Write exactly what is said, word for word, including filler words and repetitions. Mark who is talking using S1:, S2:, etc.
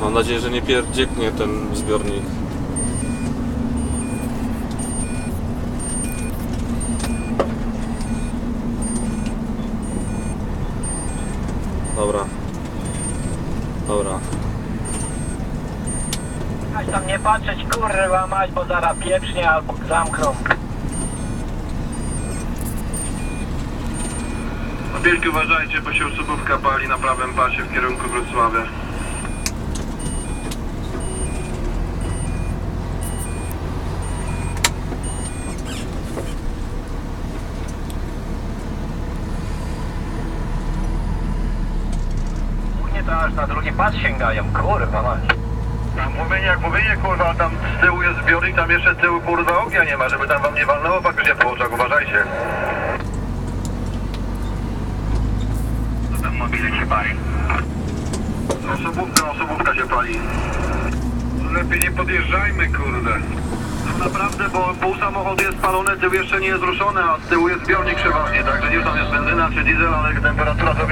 S1: Mam nadzieję, że nie pierdzieknie ten zbiornik. Dobra. Dobra.
S2: Aż tam nie patrzeć, kurwa mać, bo zaraz pieprznie albo zamkną.
S3: Wielki uważajcie, bo się osobówka pali na prawym pasie w kierunku Wrocławia.
S2: Głównie to aż na drugi pas sięgają, kurwa mać.
S3: Tam mówienie jak mówienie, kurwa, tam z tyłu jest zbiornik, tam jeszcze z tyłu, kurwa, ognia nie ma, żeby tam wam nie walnęło faktycznie po oczach, uważajcie. Co tam mobile się pali? Osobówka, osobówka się pali. Lepiej nie podjeżdżajmy, kurde. No naprawdę, bo pół samochodu jest spalone, tył jeszcze nie jest ruszony, a z tyłu jest zbiornik przeważnie, także nie wiem, tam jest benzyna czy diesel, ale temperatura to